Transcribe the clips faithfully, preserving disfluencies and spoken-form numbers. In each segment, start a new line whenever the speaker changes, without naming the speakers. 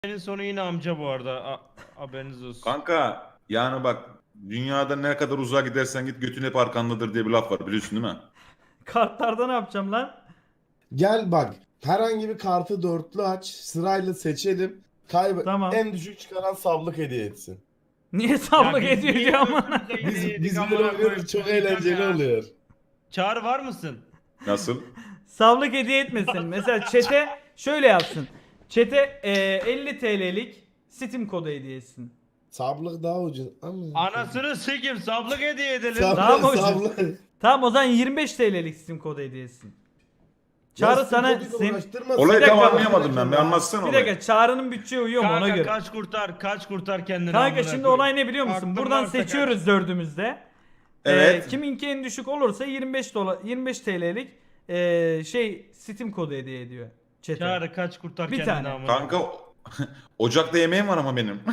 Senin sonu yine amca bu arada. A haberiniz olsun.
Kanka yani bak dünyada ne kadar uzağa gidersen git götün hep arkandadır diye bir laf var biliyorsun değil mi?
Kartlarda ne yapacağım lan?
Gel bak. Herhangi bir kartı dörtlü aç. Sırayla seçelim. Kaybet.
Tamam.
En düşük çıkaran sablık hediye etsin.
Niye sablık
biz
ediyor
niye
ki ama?
ölümümüze
Biz,
yedi yedik
biz
amına
böyle
koyayım?
oynuyoruz. Çok
Çıldıracağım
eğlenceli
ya.
oluyor.
Çağrı var mısın?
Nasıl?
Sablık hediye etmesin. Mesela çete şöyle yapsın. Çete e, elli T L'lik Steam kodu hediye etsin.
Sablık daha ucuz. Ama...
Anasını sikim sablık hediye edelim.
Sablık,
Daha mı ucuz?
sablık.
Tamam o zaman yirmi beş T L'lik Steam kodu hediye etsin. Çağrı
Ya
sana
koduyla
sen...
uğraştırma.
Olayı
Bir
tam
dakika,
anlayamadım ben. Bir anlatsana
Bir
olayı.
dakika Çağrı'nın bütçeye uyuyor mu ona
Kanka
göre.
kaç kurtar kaç kurtar kendini.
Kanka
amına
şimdi
koyayım.
olay ne biliyor musun?
Aklın
Buradan
varsa
seçiyoruz dördümüzde.
Evet.
Ee, kiminki en düşük olursa yirmi beş dolar yirmi beş T L'lik e, şey Steam kodu hediye ediyor.
kaç.
Chat'e.
Çağrı kaç kurtar
Bir
kendini
tane.
amına.
Kanka ocakta yemeğim var ama benim.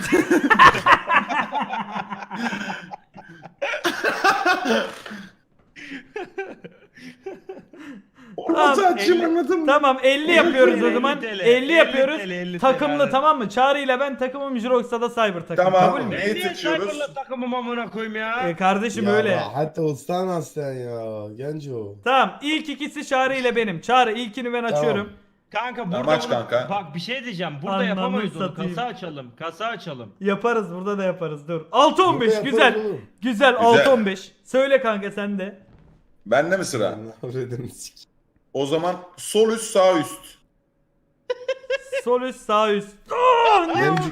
Tamam,
Orada açayım
elli-
anladın mı?
Tamam elli yapıyoruz o
elli
zaman.
TL,
elli
elli
yapıyoruz.
TL, elli TL,
Takımlı
evet.
tamam mı? Çağrı ile ben takımım, Jirox'a da Cyber takım.
Tamam.
Kabul mü?
Ne?
Ben niye
seçiyoruz?
Cyber'la takımım amına koyayım ya?
Ee, kardeşim
Ya
öyle.
Hatta ustan sen ya. Genco.
Tamam ilk ikisi Çağrı ile benim. Çağrı ilkini ben açıyorum.
Kanka burada
Tamam, aç
bunu-
kanka.
bak bir şey diyeceğim. Burada
Anlamı
yapamayız onu.
satayım.
Kasa açalım. Kasa açalım.
Yaparız burada da yaparız dur. altı on beş
Burada
güzel.
yaparız oğlum.
Güzel altı on beş. Söyle kanka sen de.
Bende mi sıra?
Avredini sik.
O zaman sol üst sağ üst.
Sol üst sağ üst. Aa, ne o?
Memcik.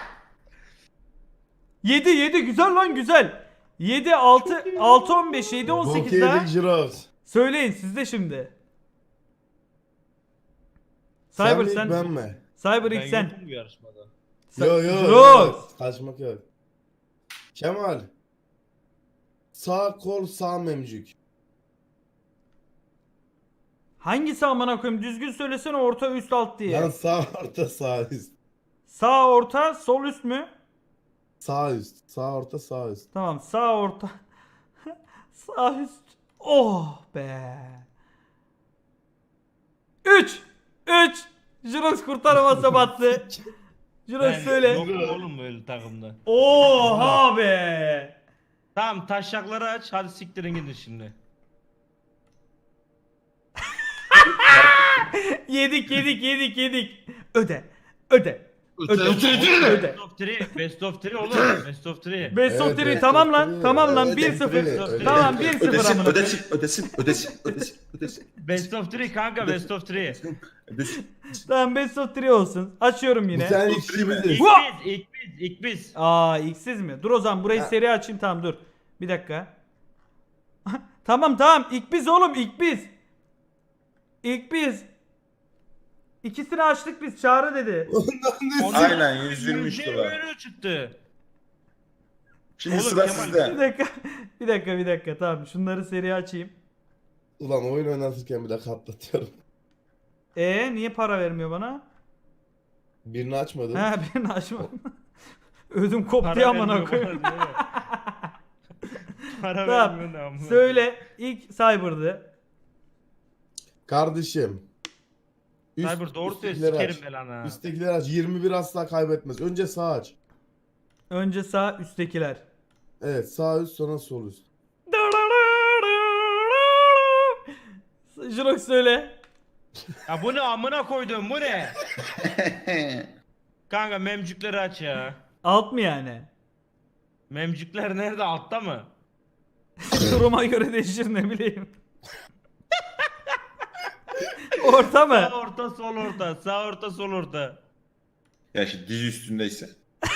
yedi yedi güzel lan güzel. yedi altı altı on beş yedi on sekiz daha.
Bokyedik Jirox.
Söyleyin siz de şimdi.
Sen
Cyber
mi
sen.
ben mi?
Cyber
Ben
ilk sen.
yokum bu yarışmada.
Sen-
Yo yo.
Jirox.
yo. Kaçmak yok. Kemal. Sağ kol sağ memcük.
Hangisi amına koyayım? Düzgün söylesene orta üst alt diye.
Lan sağ orta sağ üst.
Sağ orta sol üst mü?
Sağ üst. Sağ orta sağ üst.
Tamam sağ orta. Sağ üst. Oh be. üç üç Jirox kurtaramasa battı. Jirox
Ben
söyle.
yokum oğlum böyle takımda.
Oha be.
Tamam taşakları aç. Hadi siktirin gidin şimdi.
Yedik yedik yedik yedik. Öde. Öde. Öde. Öde.
Best of üç. Best of üç oğlum. Best of üç.
Best of
Evet,
three
best
tamam
of
lan.
three.
Tamam lan
Evet,
bir
best
sıfır.
of three.
Tamam bir sıfır
Ödesin,
amına koyayım.
ödesin, ödesin, ödesin, ödesin, ödesin,
Best of üç kanka best of üç.
ödesin.
Tamam best of three olsun. Açıyorum
Bu
yine.
sen
Bu
ilk
three mi?
kişimiziz.
İlk
Vah!
biz, ilk biz, ilk biz.
Aa iksiz mi? Dur o zaman burayı
Ha.
seri açayım tamam dur. Bir dakika. Tamam tamam ilk biz oğlum ilk biz. İlk biz. İkisini açtık biz Çağrı dedi.
Aynen yüz yirmi üç
Yüzde
dolar.
yirmi üç çıktı.
Şimdi
Oğlum,
sıra
Kemal,
Bir
sizde.
dakika. Bir dakika bir dakika tamam şunları seri açayım.
Ulan oyun oynatırken bile katlatıyorum.
E niye para vermiyor bana?
Birini açmadın.
Ha birini açmadım. Ödüm koptu
Para
amına
vermiyor
koyayım.
bana, değil mi? Para
Tamam.
vermiyor ne amına.
Söyle ilk Cyber'dı.
Kardeşim. Üst,
Cyber doğru söyle
üsttekileri
sikerim
aç.
ben ha.
Üsttekileri aç. yirmi bir asla kaybetmez. Önce sağ aç.
Önce sağ üsttekiler.
Evet sağ üst sonra sol üst.
Jirox söyle.
Ya bu ne amına koydum bu ne? Kanka memcükleri aç ya.
Alt mı yani?
Memcükler nerede altta mı?
Duruma göre değişir ne bileyim. Orta mı?
Sağ orta sol orta sağ orta sol orta.
Ya şimdi dizi üstündeyse.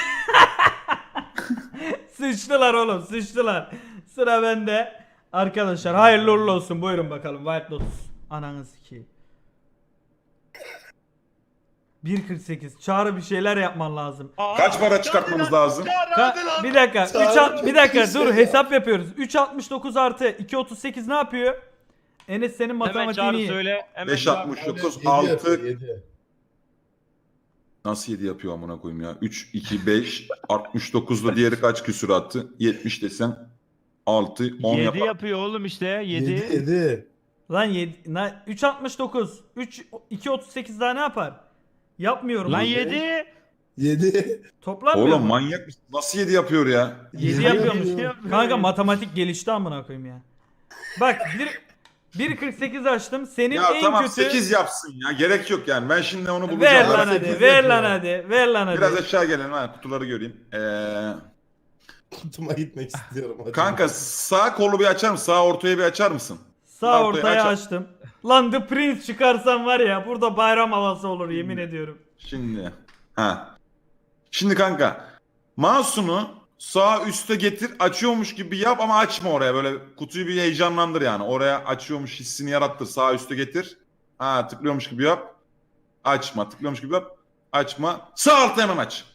Sıçtılar oğlum sıçtılar. Sıra bende. Arkadaşlar hayırlı uğurlu olsun. Buyurun bakalım White Lotus. Ananız ki. bir kırk sekiz. Çağrı bir şeyler yapman lazım.
Aa,
Kaç para
Çağrı
çıkartmamız
lan,
lazım?
Çağrı
Ka-
hadi lan.
bir dakika.
Çağrı
üç alt- bir dakika
çok
dur
iyi
hesap yapıyoruz. üç altmış dokuz artı iki otuz sekiz ne yapıyor? Enes senin
Hemen
matematiğini
Çağrı
iyi.
söyle. Hemen
beş
Çağrı
altmış
söyle.
dokuz
yedi yapıyor,
altı
yedi.
Nasıl yedi yapıyor amına koyayım ya? üç, iki, beş, altmış dokuzla diğeri kaç küsür attı? yetmiş desem altı, on
yedi
yapar.
yapıyor oğlum işte
yedi.
yedi.
yedi.
Lan yedi, na, üç altmış dokuz. üç iki otuz sekiz daha ne yapar? Yapmıyorum.
Lan
bunu.
yedi.
yedi.
Toplanmıyor
Oğlum
mu?
manyak mısın? Nasıl yedi yapıyor ya?
yedi
Yedi
yapıyormuş.
yapıyor.
Kanka matematik gelişti amına koyayım ya. Bak bir bir kırk sekiz açtım. Senin
Ya
en
tamam
kötü
sekiz yapsın ya. Gerek yok yani. Ben şimdi onu bulacağım.
ver
Ara
lan
sekiz
hadi. Ver
yapıyor.
lan hadi. Ver lan hadi.
Biraz aşağı gelelim ha. Kutuları göreyim. Ee,
Kutuma gitmek istiyorum. hocam.
kanka sağ kolu bir açar mısın? Sağ ortaya bir açar mısın?
Sağ
ortaya
ortaya
aç-
açtım. Lan The Prince çıkarsam var ya burada bayram havası olur yemin ediyorum.
Şimdi. Ha. Şimdi kanka. Mouse'unu sağ üste getir. Açıyormuş gibi yap ama açma oraya. Böyle kutuyu bir heyecanlandır yani. Oraya açıyormuş hissini yarattır. Sağ üste getir. Ha tıklıyormuş gibi yap. Açma. Tıklıyormuş gibi yap. Açma. Sağ altta hemen aç.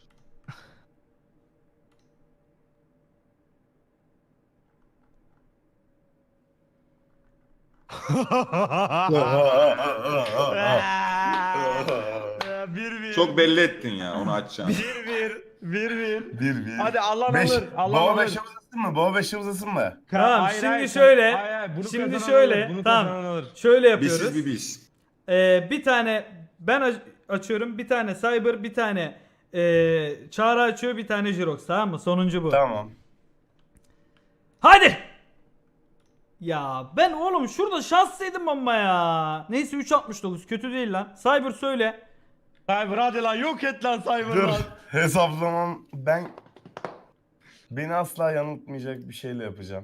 Bir bir.
Çok belli ettin ya onu açacağını.
Bir bir. Bir bir.
Bir bir.
Hadi Allah
Beş.
alır. Allah
Baba
alır.
beşe uzasın mı? Baba beşe uzasın mı?
Tamam,
Hayır,
şimdi
hayır,
şöyle,
hayır, hayır, bunu
şimdi
kazanan
şöyle,
alır, bunu
tamam.
kazanan alır.
Şöyle yapıyoruz.
Bizsiz bir biz.
Ee, bir tane ben aç- açıyorum, bir tane Cyber, bir tane ee, Çağrı açıyor, bir tane Jirox, tamam mı? Sonuncu bu.
Tamam.
Hadi! Ya ben oğlum şurada şanslıydım ama ya. Neyse üç altmış dokuz kötü değil lan. Cyber söyle.
Cyber hadi lan yok et lan Cyber
Dur.
lan.
Hesaplamam. Ben beni asla yanıltmayacak bir şeyle yapacağım.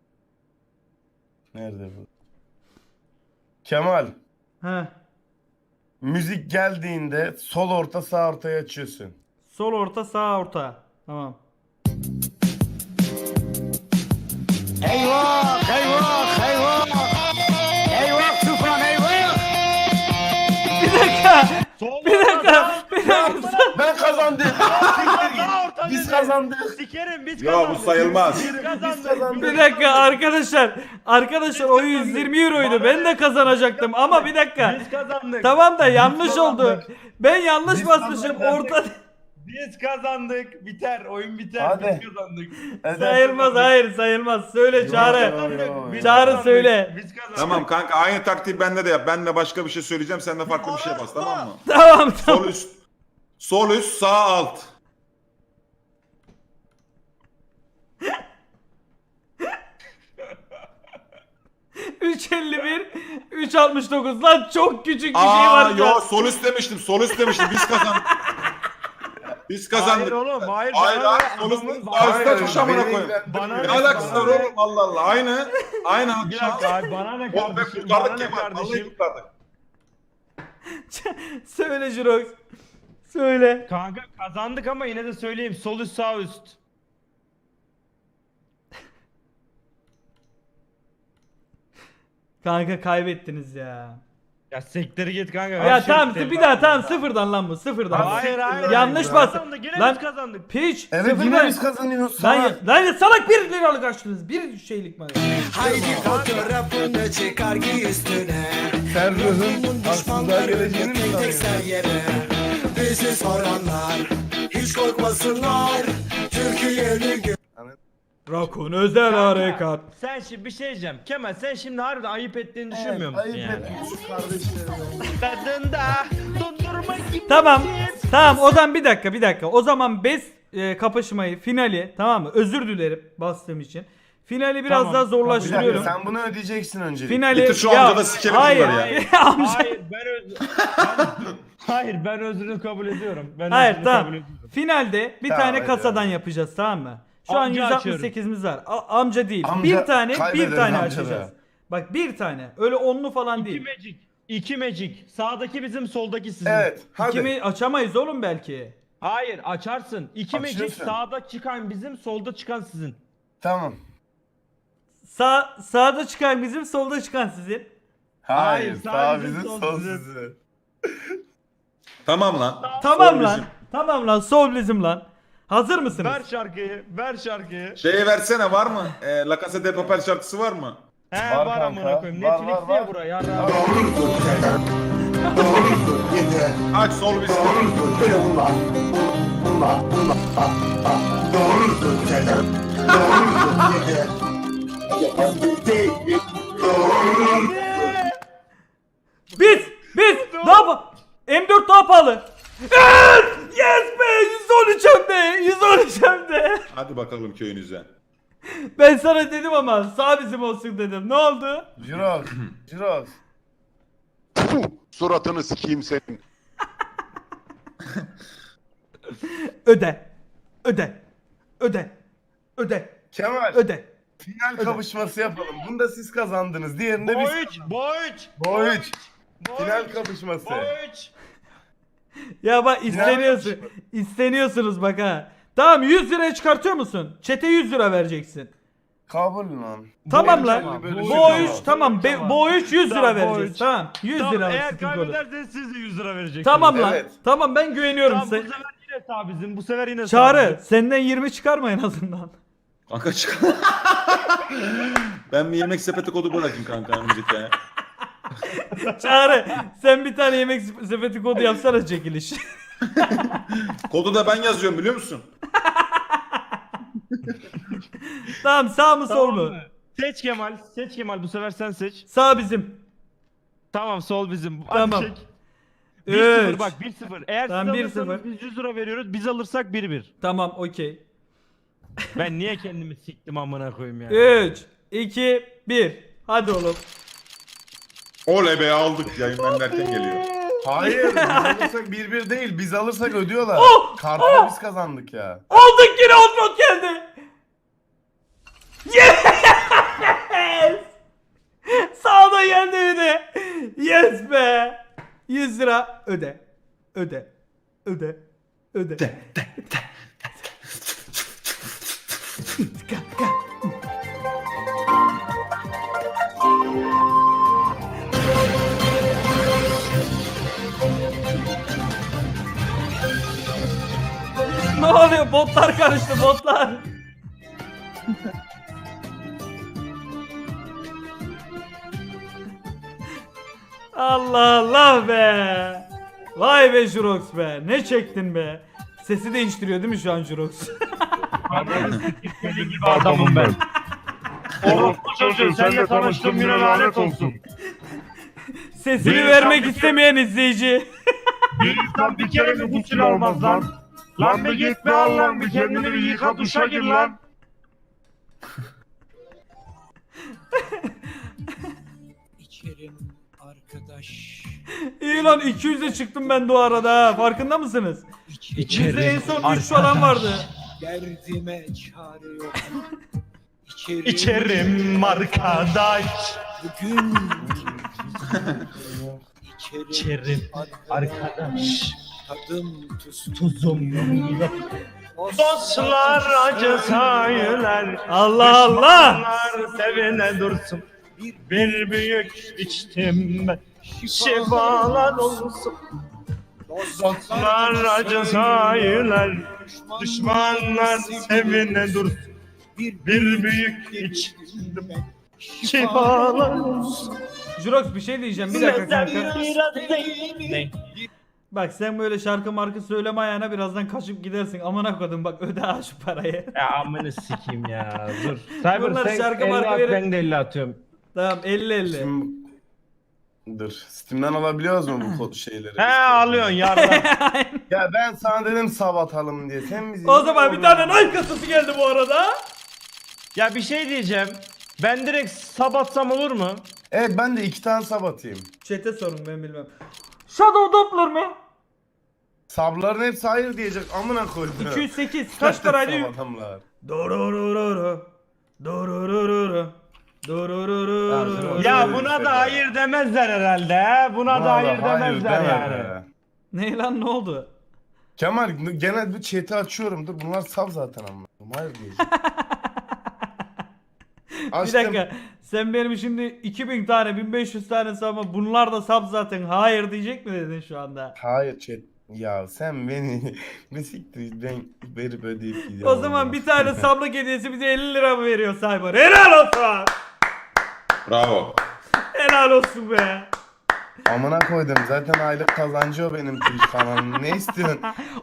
Nerede bu? Kemal.
Heh.
Müzik geldiğinde sol orta sağ ortaya açıyorsun.
Sol orta, sağ orta. Tamam.
Eyvah, eyvah, eyvah. Eyvah Tufan eyvah.
Bir dakika.
Sol
Bir dakika. Bir dakika.
Ben kazandım.
Sağ orta
Biz
dedi.
kazandık.
Sikerim biz
Ya
kazandık.
bu sayılmaz.
Biz kazandık.
Bir dakika arkadaşlar. Arkadaşlar o yüz yirmi euroydu. Ben de kazanacaktım ama bir dakika.
Biz kazandık.
Tamam da yanlış oldu.
kazandık.
Ben yanlış
Biz
basmışım.
kazandık.
Orta
Biz kazandık. Biter. Oyun biter.
Hadi.
Biz kazandık.
sayılmaz. Hayır sayılmaz. Söyle Çağrı.
Yo,
Biz
Çağrı
kazandık.
söyle.
Biz kazandık.
Tamam kanka aynı taktiği bende de yap. Ben de başka bir şey söyleyeceğim. Sen de farklı bir şey bas tamam mı?
Tamam tamam.
Sol üst. Sol üst sağ alt.
üç elli bir, üç altmış dokuz lan çok küçük bir şey
Aa
var.
yo
Yo,
sol üst demiştim. Sol üst demiştim. Biz kazandık. Biz
Hayır
kazandık.
oğlum. Hayır.
Hayır
bana
hayır
ne?
sol üst.
Adamın-
Sağ üstte
Hayır,
tuş amına
beni
koyayım.
Bana
Ne
ne?
alakası
Bana
var
ne?
oğlum Allah Allah. Aynı. Aynı.
Bir dakika abi bana ne
Oğlum be
kardeşim? Bana
kurtardık
ne
Kemal. Vallahi
kardeşim?
kurtardık.
söyle Jirox. Söyle.
Kanka kazandık ama yine de söyleyeyim. Sol üst sağ üst.
Kanka kaybettiniz ya.
Ya siktir git kanka.
Ya
ver şu
tamam
isteği.
bir daha tamam sıfırdan lan bu sıfırdan.
Hayır hayır.
Yanlış
Biz
bas.
kazandık, Yine
Lan-
biz kazandık.
Piç
Evet
sıfırdan.
yine biz kazanıyoruz.
Lan,
Salak.
lan ya salak bir liralık açtınız. Bir şeylik mi?
Haydi fotoğrafını çıkar giy üstüne.
Sen ruhun aslında
Düşmanları
geleceğini mi
tek tek
sanıyorsun?
ser yere. Bizi soranlar hiç korkmasınlar. Türkiye'nin gö-
Rakun özel
Kanka,
harekat.
Sen şimdi bir şey diyeceğim. Kemal sen şimdi harbiden ayıp ettiğini düşünmüyor musun
Ayıp
yani?
etmiş.
Tadında dondurma gibi.
Tamam. Tamam o zaman bir dakika bir dakika. O zaman best e, kapışmayı finali tamam mı? Özür dilerim bastığım için. Finali biraz
Tamam,
daha
Bir dakika,
zorlaştırıyorum.
sen bunu ödeyeceksin öncelikle.
Finali
Bitir şu
ya,
amca da sikelim
hayır,
bunları ya.
amca.
Hayır ben öz... ben... Hayır ben özrünü kabul ediyorum. Ben
Hayır
özrünü
tamam.
kabul ediyorum.
Finalde bir
Tamam,
tane
hadi,
kasadan
hadi.
yapacağız tamam mı? Şu
Amca
an yüz altmış sekizimiz var. A- amca değil.
Amca,
bir tane bir
kaybederiz
tane
amca
açacağız.
da.
Bak bir tane. Öyle onlu falan
İki
değil.
magic. İki magic. Sağdaki bizim soldaki sizin.
Evet hadi.
Kimi açamayız oğlum belki.
Hayır açarsın. İki magic
Açıyorsun.
sağda çıkan bizim solda çıkan sizin.
Tamam.
Sağ sağda çıkan bizim, solda çıkan sizin.
Hayır,
Hayır,
sağ
sağ
bizim
bizim, sol
sol
bizim.
sizin.
Tamam lan.
Tamam
Sol
lan.
bizim.
Tamam lan. Sol bizim lan. Hazır mısınız?
Ver şarkıyı. Ver şarkıyı.
Şeyi versene var mı? E, La Casa de Papel şarkısı var mı?
He
Var
var,
kanka,
amına koyayım.
var,
Netflix
var,
diye
var.
buraya. Yarra.
Aç sol bizim.
Biz biz daha pa- M dört daha pahalı. Evet! Yes be yüz olacağım de.
Hadi bakalım köyünüze.
Ben sana dedim ama sağ bizim olsun dedim. Ne oldu?
Jirox. Jirox.
Puh, suratını sikeyim senin.
Öde. Öde. Öde. Öde.
Kemal.
Öde.
Final kapışması yapalım. Bunda siz kazandınız. Diğerinde biz.
Boyç, boyç.
Boyç. Final kapışması.
Boyç.
Ya bak isteniyorsun. İsteniyorsunuz bak ha. Tamam yüz liraya çıkartıyor musun? Çete yüz lira vereceksin.
Kabul lan.
Tamam
Bu
lan.
tamam, böyle
Bu
şey
o üç
tamam.
tamam. Be, bu o üç yüz lira
Tamam,
vereceğiz.
boyç.
Tamam. yüz
Tamam,
lira.
eğer
sıkıntı olur.
kaybederseniz siz de yüz lira vereceksiniz.
Tamam lan.
Evet.
Tamam ben güveniyorum
Tamam, bu
size.
sefer yine sağ bizim. Bu sefer yine sağ
Çağrı
bizim.
senden yirmi çıkarma en azından.
Kanka çık. Ben bir yemek sepeti kodu bırakayım kanka önümüzdeki aya.
Çağrı sen bir tane yemek sepeti kodu yapsana çekiliş.
Kodu da ben yazıyorum biliyor musun?
Tamam sağ mı sol
Tamam
mu?
mı? Seç Kemal. Seç Kemal. Bu sefer sen seç.
Sağ bizim.
Tamam sol bizim. Hadi
Tamam.
çek. bir sıfır
Üç.
bak bir sıfır. Eğer
Tamam, bir
siz alırsanız
sıfır.
biz yüz lira veriyoruz. Biz alırsak bir bir.
Tamam okey.
Ben niye kendimi siktim amına koyayım ya.
üç, iki, bir. Hadi oğlum.
Oley be aldık yayından derken geliyor.
Hayır. Biz alırsak bir bir değil. Biz alırsak ödüyorlar.
Oh!
Kartı da biz kazandık ya.
Aldık yine Outlook geldi. Yes! Sağda geldi bir de. Yes be. yüz lira öde. Öde. Öde. Öde. Ne oluyor? Botlar karıştı botlar. Allah Allah be. Vay be Jurox be. Ne çektin be. Sesi değiştiriyor değil mi şu an Jurox?
Deli gibi adamım ben. Oğlum bu çocuğu seninle tanıştığım güne lanet olsun.
Sesini
Bir
vermek
insan bir
istemeyen izleyici.
Bir insan bir kere mi gusül almaz lan? Lan bir git be Allah'ım bir kendini bir yıka duşa gir lan.
İçerim arkadaş.
İyi lan iki yüze çıktım ben de o arada ha. Farkında mısınız? Bizde en son üç falan vardı.
Derdime çare yok. İçerim,
İçerim arkadaş.
bugün. İçerim,
İçerim arkadaş.
Tadım tuzum.
Tuzum yok. Dostlar acı sayılar.
Allah Allah.
Düşmanlar sevine dursun. Bir büyük içtim ben. Şifalar olsun. Dostlar acı sayılar. Düşmanlar sevine dursun. Bir büyük içtim ben. Şifalar olsun.
Jurox bir şey diyeceğim bir dakika kanka.
Ne?
Bak sen böyle şarkı markı söyleme ayağına birazdan kaçıp gidersin. Amına koydum bak öde ha şu parayı.
Ya amını sikeyim ya dur. Cyber
Bunlar
sen
şarkı
elli
marka
at,
verin.
ben de elli atıyorum.
Tamam elli elli.
Şimdi... Dur. Steam'den alabiliyoruz mu bu kod şeyleri?
He alıyorsun yardım.
Ya ben sana dedim sab atalım diye. Sen bizi...
O zaman bir tane Nike kasası geldi bu arada.
Ya bir şey diyeceğim. Ben direkt sabatsam olur mu?
Evet ben de iki tane sab atayım.
Chat'e sorun ben bilmem. Shadow Doppler mı?
Sabların hepsi hayır diyecek. Amına koydum.
iki yüz sekiz kaç paraydı?
Sab adamlar.
Dororororo. Dororororo. Dororororo.
Ya buna da hayır demezler herhalde he. Buna da hayır demezler
deme
yani.
be.
Ne lan ne oldu?
Kemal genel bir chat'i açıyorum. Dur bunlar sab zaten amına. Hayır diyecek.
Bir
Açtım.
dakika. Sen benim şimdi iki bin tane bin beş yüz tane sabah bunlar da sab zaten hayır diyecek mi dedin şu anda?
Hayır chat. Ya sen beni ne siktir ben verip ödeyip gidiyorum.
O zaman bir tane sablık hediyesi bize elli lira mı veriyor Cyber? Helal olsun.
Bravo.
Helal olsun be.
Amına koydum zaten aylık kazancı o benim Twitch kanalım. Ne istiyorsun?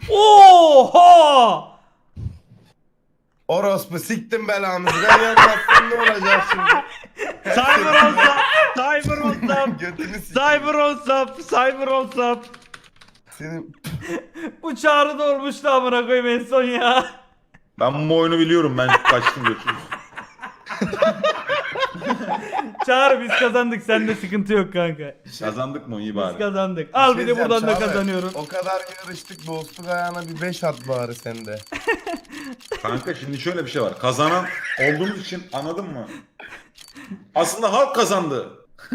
Oha!
Orospu siktim belanızı. Ben yapmazsam ne olacak şimdi?
Cyber olsam, cyber olsam,
Götünü siktim.
cyber olsam, cyber olsam.
Senin
Bu Çağrı da olmuştu amına koyayım en son ya.
Ben bu oyunu biliyorum. Ben kaçtım götürdüm.
Çağrı biz kazandık, sende sıkıntı yok kanka.
Kazandık mı? İyi
Biz
bari.
kazandık. Al bir de
diyeceğim,
buradan da
Çağrı,
kazanıyorum.
O kadar yarıştık, dostluk ayağına bir beş at bari sende.
Kanka şimdi şöyle bir şey var. Kazanan olduğumuz için anladın mı? Aslında halk kazandı.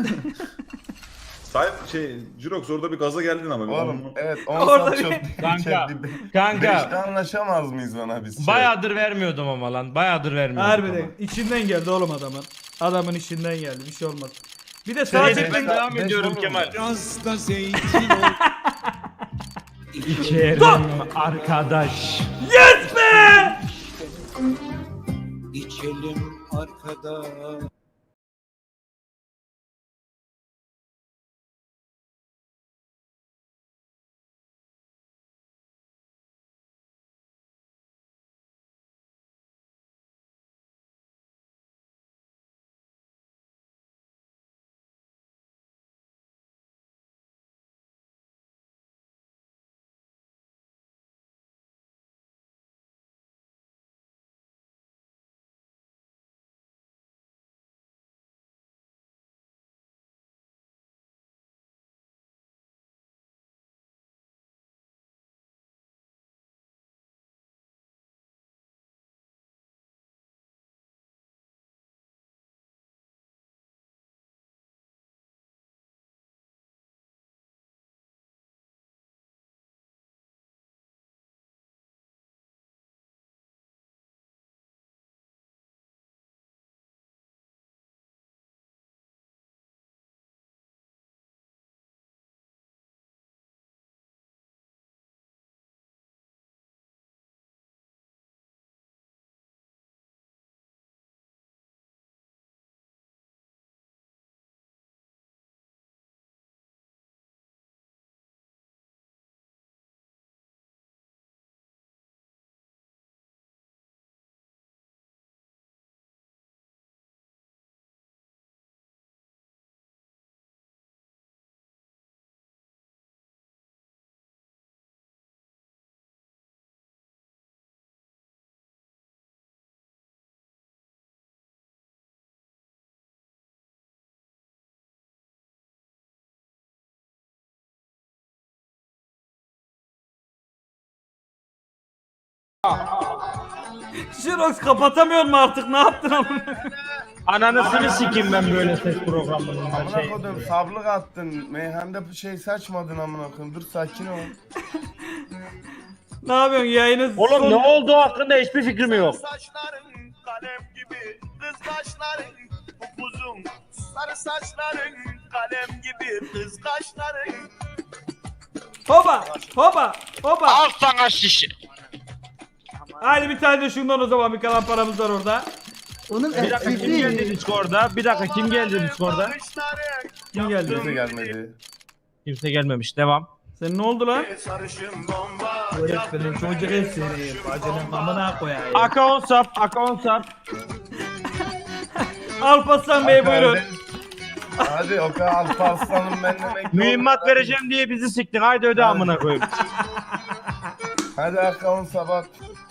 Sahip şey Jirox orada bir gaza geldin ama.
Oğlum
Onu-
evet on
Orada
saat çok
bir-
Kanka,
Beşte
Kanka
anlaşamaz mıyız bana biz? şey?
bayağıdır vermiyordum ama lan. Bayağıdır vermiyordum.
Harbiden içinden geldi oğlum adamın. Adamın içinden geldi, bir şey olmaz. Bir de
Şey,
sadece
Sadece ben
beş-
devam
beş
ediyorum
olur mu?
Kemal.
Biraz da zeytin ol.
İçerim arkadaş.
yes be!
İçelim arkadaş.
Jirox kapatamıyor mu artık, ne yaptın amına?
Ananısını sikeyim ben böyle ses programlarında.
Amına
Şey.
kodum sablık attın. Meyhanda bir şey saçmadın amına koyayım. Dur sakin ol.
Ne yapıyorsun yayını?
Oğlum
son-
ne olduğu hakkında hiçbir fikrim yok.
Saçların kalem gibi, kız kaşların upuzun. Sarı saçların kalem gibi, kız kaşların.
Hoba hoba hoba.
Al sana şişe.
Hadi bir tane de şundan o zaman, bir kalan paramız var orada.
Bir dakika kim geldi Discord'a? Bir dakika kim geldi Discord'a?
Kim geldi?
Kimse gelmedi.
Kimse gelmemiş. Devam.
Sen ne oldu lan?
Sarışın bomba.
Öğretmenim çocuk el seni. Bacının amına koyayım.
Aka on sap, Aka on sap.
Alparslan Bey buyurun.
Hadi o kadar Alparslan'ım ben demek.
Mühimmat vereceğim diye bizi siktin. Haydi öde amına koyayım.
Hadi akavun sabah.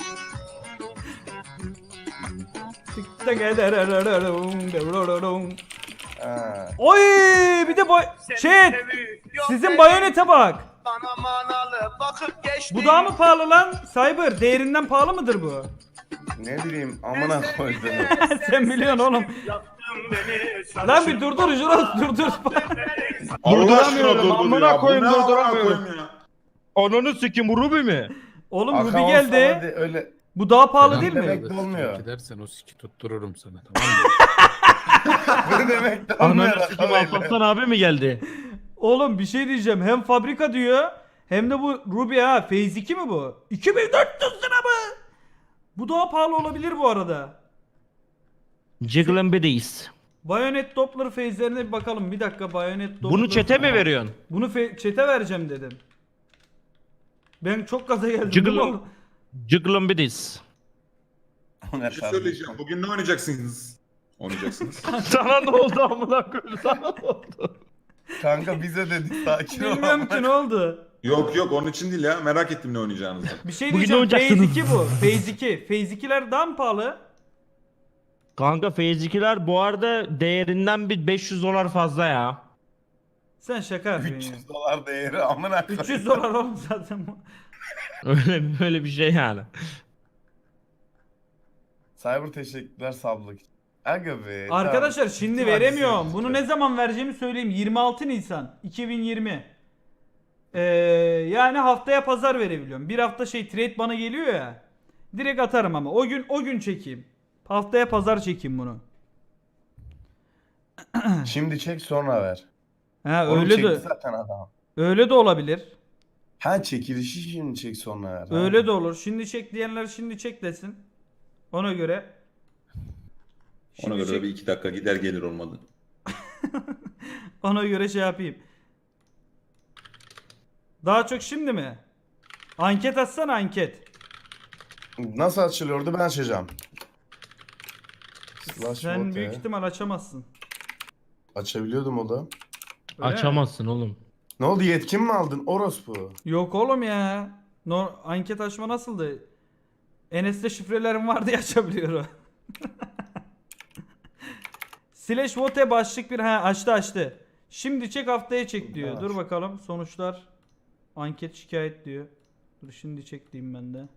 Ha.
Oy bir de boy chat sizin bayonete bak.
Bana manalı bakıp geçti.
Bu daha mı pahalı lan? Cyber değerinden pahalı mıdır bu?
Ne bileyim amına koydum.
Sen biliyorsun oğlum.
Beni,
Lan bir durdur Juros durdur.
Allah aşkına
Durduramıyorum,
durdur
amına
ya. Bu
koyayım,
ne amına
durduramıyorum.
koyayım ya?
Onunu sikeyim bu Ruby mi?
Oğlum
Akavun
Ruby
sabah
geldi.
de- Öyle.
Bu daha pahalı değil mi?
Demek de olmuyor.
Gidersen o siki tuttururum sana, tamam mı?
Ne demek de olmuyor.
Ananı sikeyim Alparslan abi mi geldi?
Oğlum bir şey diyeceğim. Hem fabrika diyor hem de bu Ruby ha. Phase iki mi bu? iki bin dört yüz lira mı? Bu daha pahalı olabilir bu arada.
Jiggling Biddies.
Bayonet Doppler phase'lerine bir bakalım. Bir dakika Bayonet Doppler.
Bunu çete mi veriyorsun?
Bunu fe- çete vereceğim dedim. Ben çok gaza geldim.
Jiggle-
Oğlum.
Jiggling Biddies.
Ne
Bir şey söyleyeceğim. Bugün ne oynayacaksınız? Oynayacaksınız.
Sana ne oldu amına koyayım? Sana ne oldu?
Kanka bize dedi sakin ol.
Bilmiyorum ki ne oldu.
Yok yok onun için değil ya. Merak ettim ne oynayacağınızı.
Bir şey
Bugün
diyeceğim.
ne
Phase
oynayacaksınız?
iki bu. Phase iki. Phase ikiler daha mı pahalı?
Kanka Phase ikiler bu arada değerinden bir beş yüz dolar fazla ya.
Sen şaka yapıyorsun
üç
ya.
yüz dolar değeri amına koyayım.
üç yüz dolar oğlum zaten bu.
Öyle böyle bir şey yani.
Cyber teşekkürler sablık. Aga be.
Arkadaşlar
tamam.
şimdi
Hadi
veremiyorum.
sen-
Bunu ne zaman vereceğimi söyleyeyim. yirmi altı Nisan iki bin yirmi. Ee, yani haftaya pazar verebiliyorum. Bir hafta şey trade bana geliyor ya. Direkt atarım ama. O gün o gün çekeyim. Haftaya pazar çekeyim bunu.
Şimdi çek sonra ver.
Ha
Oğlum
öyle
çekti
de
zaten adam.
öyle de olabilir.
Ha çekilişi şimdi çek sonra ver. ha.
Öyle de olur. Şimdi çek diyenler şimdi çek desin. Ona göre.
Ona
Şimdi
göre
çek-
bir iki dakika gider gelir olmadı.
Ona göre şey yapayım. Daha çok şimdi mi? Anket atsana anket.
Nasıl açılıyordu ben açacağım. Slash
Sen
vote
büyük
ya.
ihtimal açamazsın.
Açabiliyordum o da.
Öyle mi?
Açamazsın oğlum.
Ne oldu yetkin mi aldın orospu?
Yok oğlum ya. No, anket açma nasıldı? Enes'te şifrelerim var diye açabiliyor o. Slash vote başlık bir ha açtı açtı. Şimdi çek haftaya çek diyor.
Evet.
Dur bakalım sonuçlar. Anket şikayet diyor. Dur şimdi çek diyeyim ben de.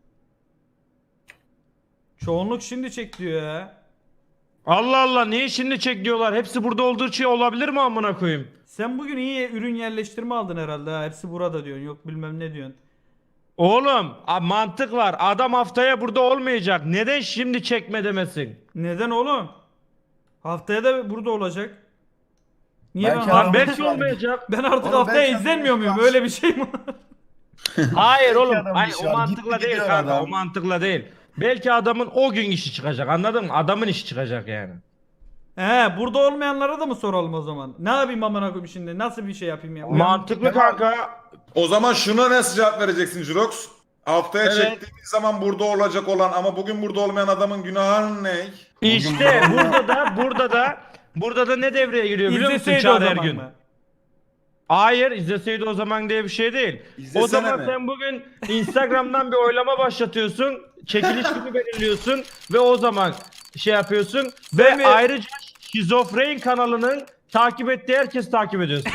Çoğunluk şimdi çek diyor ya.
Allah Allah niye şimdi çek diyorlar? Hepsi burada olduğu şey olabilir mi amına koyayım?
Sen bugün iyi ürün yerleştirme aldın herhalde ha. Hepsi burada diyorsun. Yok bilmem ne diyorsun.
Oğlum a- mantık var. Adam haftaya burada olmayacak. Neden şimdi çekme demesin?
Neden oğlum? Haftaya da burada olacak. Niye
Belki
ben,
adam-
Lan belki olmayacak.
ben artık
Oğlum
haftaya
belki
izlenmiyor
adam
muyum?
var.
Öyle bir şey mi?
Hayır oğlum.
adam
Hayır,
bir şey
o
var.
mantıkla
Gitti
değil
gidiyor
kanka.
adam.
O mantıkla değil. Belki adamın o gün işi çıkacak. Anladın mı? Adamın işi çıkacak yani.
He, burada olmayanlara da mı soralım o zaman? Ne yapayım amına koyayım şimdi? Nasıl bir şey yapayım ya? Uyan-
Mantıklı kanka.
O zaman şuna nasıl cevap vereceksin Jirox? Haftaya
Evet.
çektiğimiz zaman burada olacak olan ama bugün burada olmayan adamın günahı ne?
İşte burada da burada da burada da ne devreye giriyor biliyor musun
İzleseydi o
Çağrı
zaman
Ergün?
mı?
Hayır izleseydi o zaman diye bir şey değil.
İzlesene
o zaman
mi?
sen bugün Instagram'dan bir oylama başlatıyorsun. Çekiliş günü belirliyorsun ve o zaman şey yapıyorsun ve
mi?
ayrıca Şizofren kanalının takip ettiği herkes takip ediyorsun.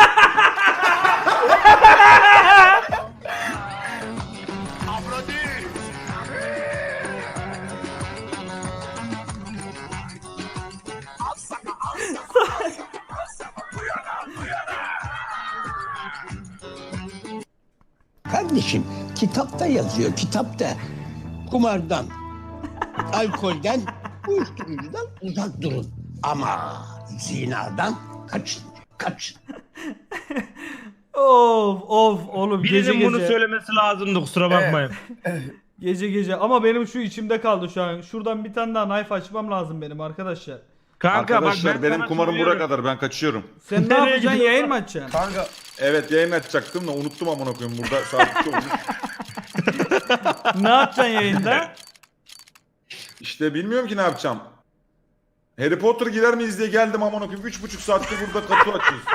Kardeşim kitapta yazıyor kitapta. Kumardan, alkolden, uyuşturucudan uzak durun. Ama zinadan kaçın, kaçın.
Of of oğlum gece
Birinin
gece.
bunu söylemesi lazımdı kusura bakmayın.
Gece gece ama benim şu içimde kaldı şu an. Şuradan bir tane daha knife açmam lazım benim arkadaşlar.
Kanka
Arkadaşlar
bak ben
benim
sana
kumarım buraya
söylüyorum.
kadar ben kaçıyorum.
Sen ne
Nereye
yapacaksın?
gidiyorsun?
Yayın mı açacaksın?
Kanka
Evet yayın açacaktım da unuttum amına koyayım burada saat iki olmuş.
Ne yapacaksın yayında?
İşte bilmiyorum ki ne yapacağım. Harry Potter girer miyiz diye geldim amına koyayım. Üç buçuk saattir burada kapı açıyoruz.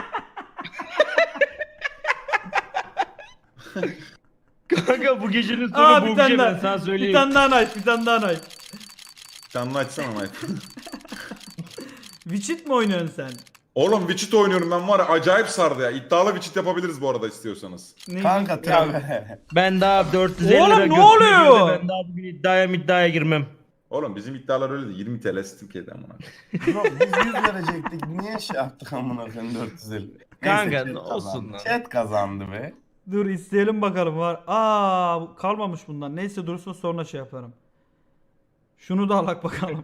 Kanka bu gecenin sonu
Aa
bu
bir
gece
tane
ben
daha.
sana
Bir
söyleyeyim.
tane daha knife, bir tane daha knife.
Canlı açsana Mike.
Witchit mi oynuyorsun sen?
Oğlum Witchit oynuyorum ben var ya acayip sardı ya. İddialı Witchit yapabiliriz bu arada istiyorsanız.
Ne
kanka tabi.
Ben daha dört yüz elli
Oğlum
lira
ne
götürüyorum
oluyor?
da Ben daha bugün iddiaya iddiaya girmem.
Oğlum bizim iddialar öyle de yirmi T L Türkiye'de amına.
Bro, biz yüz verecektik. Niye şey yaptık amına koyayım dört yüz elli?
Kanka,
Neyse,
ne
chat
olsun
kazandı.
lan.
Chat kazandı be.
Dur isteyelim bakalım var. Aa bu kalmamış bundan. Neyse dursun sonra şey yaparım. Şunu da alak bakalım.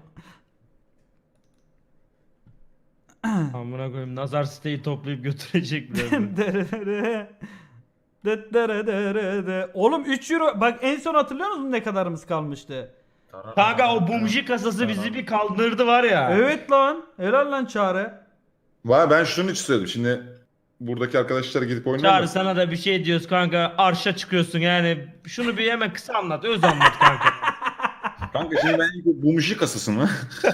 Amına koyayım nazar siteyi toplayıp götürecek birazdan.
Derere. Detterederede. Oğlum üç euro. Bak en son hatırlıyor musun ne kadarımız kalmıştı?
Kanka o bumji kasası bizi bir kaldırdı var ya.
Evet lan. Helal lan Çağrı.
Vay ben şunun için söyledim. Şimdi buradaki arkadaşlara gidip
Çağrı
oynayalım.
sana da bir şey diyoruz kanka arşa çıkıyorsun yani şunu bir hemen kısa anlat öz anlat kanka.
Kanka şimdi ben ilk bu muşi kasası mı?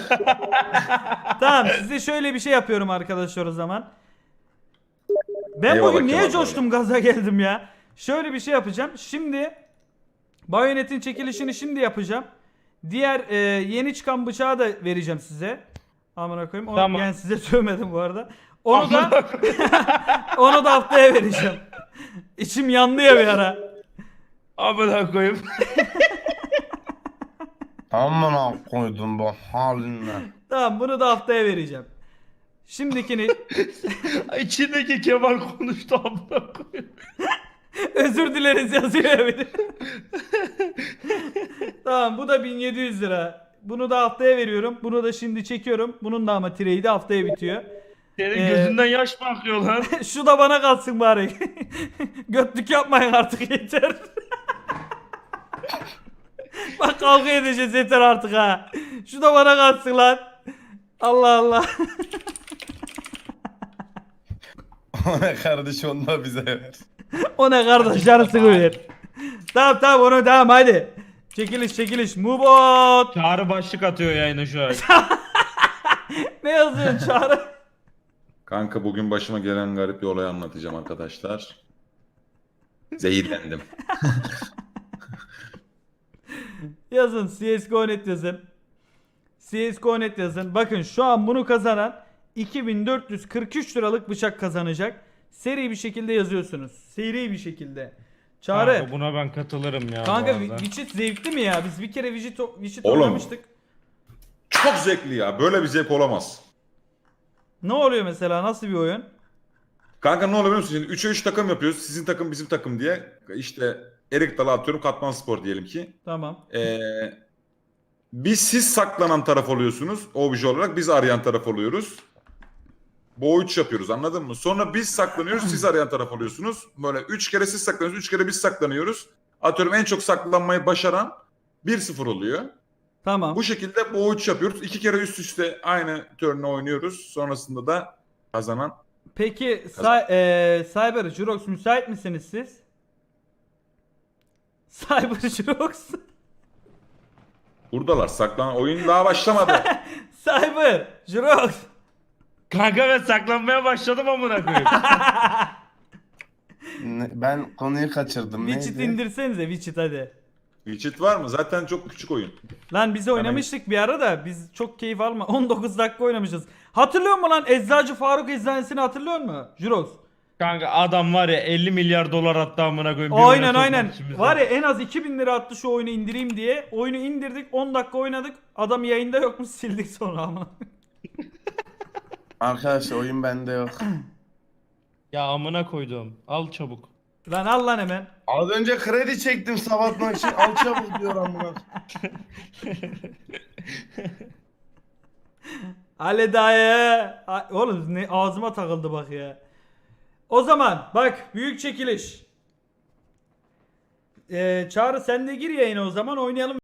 Tamam size şöyle bir şey yapıyorum arkadaşlar o zaman. Ben
Eyvallah
bugün niye
Kemal
coştum gaza geldim ya? Şöyle bir şey yapacağım. Şimdi bayonetin çekilişini şimdi yapacağım. Diğer e, yeni çıkan bıçağı da vereceğim size. Amına koyayım. Onu,
Tamam.
Yani size söylemedim bu arada. Onu da onu da haftaya vereceğim. İçim yandı ya bir ara.
Amına koyayım.
Amına koydum bu haline.
Tamam, bunu da haftaya vereceğim. Şimdikini
İçindeki Kemal konuştu amına koyayım.
özür dileriz yazıyor ya bir de. Tamam, bu da bin yedi yüz lira. Bunu da haftaya veriyorum. Bunu da şimdi çekiyorum. Bunun da ama trade'i haftaya bitiyor.
Senin
Ee,
gözünden yaş mı akıyor lan?
Şu da bana kalsın bari. Götlük yapmayın artık, yeter. Bak kavga edeceğiz, yeter artık ha. Şu da bana kalsın lan. Allah Allah.
O ne kardeş onu da bize ver.
O ne kardeş, yarısını ver. Tamam tamam, onu tamam hadi. Çekiliş çekiliş. Mubot.
Çağrı başlık atıyor yayına şu an.
Ne yazıyorsun Çağrı?
Kanka bugün başıma gelen garip bir olayı anlatacağım arkadaşlar. Zehirlendim.
Yazın C S G O nokta net yazın. C S G O nokta net yazın. Bakın şu an bunu kazanan iki bin dört yüz kırk üç liralık bıçak kazanacak. Seri bir şekilde yazıyorsunuz. Seri bir şekilde. Çağrı.
Kanka buna ben katılırım ya.
Kanka
bu arada.
Witcher zevkli mi ya? Biz bir kere Witcher Witcher
Oğlum.
oynamıştık.
Çok zevkli ya. Böyle bir zevk olamaz.
Ne oluyor mesela? Nasıl bir oyun?
Kanka ne oluyor biliyor musun? Şimdi üçe üç takım yapıyoruz. Sizin takım bizim takım diye. İşte Erik Dalı atıyorum. Katman Spor diyelim ki.
Tamam.
Ee, biz siz saklanan taraf oluyorsunuz. Obje olarak biz arayan taraf oluyoruz. Bu üç yapıyoruz, anladın mı? Sonra biz saklanıyoruz, siz arayan taraf oluyorsunuz. Böyle üç kere siz saklanıyorsunuz, üç kere biz saklanıyoruz. Atıyorum en çok saklanmayı başaran bir sıfır oluyor.
Tamam.
Bu şekilde bu üç yapıyoruz. İki kere üst üste aynı turn'u oynuyoruz. Sonrasında da kazanan.
Peki Cy- eee, Cyber Jurox müsait misiniz siz? Cyber Jurox.
Buradalar, saklanan oyun daha başlamadı.
Cyber Jurox.
Kanka ben saklanmaya başladım amına koyayım.
Ne- ben konuyu kaçırdım.
Widget
Neydi?
indirsenize Widget hadi.
Widget var mı? Zaten çok küçük oyun.
Lan biz oynamıştık bir ara da biz çok keyif alma. on dokuz dakika oynamışız. Hatırlıyor musun lan Eczacı Faruk Eczanesini hatırlıyor musun? Jurox.
Kanka adam var ya elli milyar dolar attı amına koyayım. bir
Aynen
oyuna sokmak
aynen.
için bizi.
Var ya en az iki bin lira attı şu oyunu indireyim diye. Oyunu indirdik, on dakika oynadık. Adam yayında yokmuş, sildik sonra ama.
Arkadaşlar oyun bende yok.
Ya amına koydum. Al çabuk.
Lan al lan hemen.
Az önce kredi çektim sabahtan için al çabuk diyor amına.
Ali dayı. A- Oğlum ne ağzıma takıldı bak ya. O zaman bak büyük çekiliş. Ee, Çağrı sen de gir yayına o zaman oynayalım.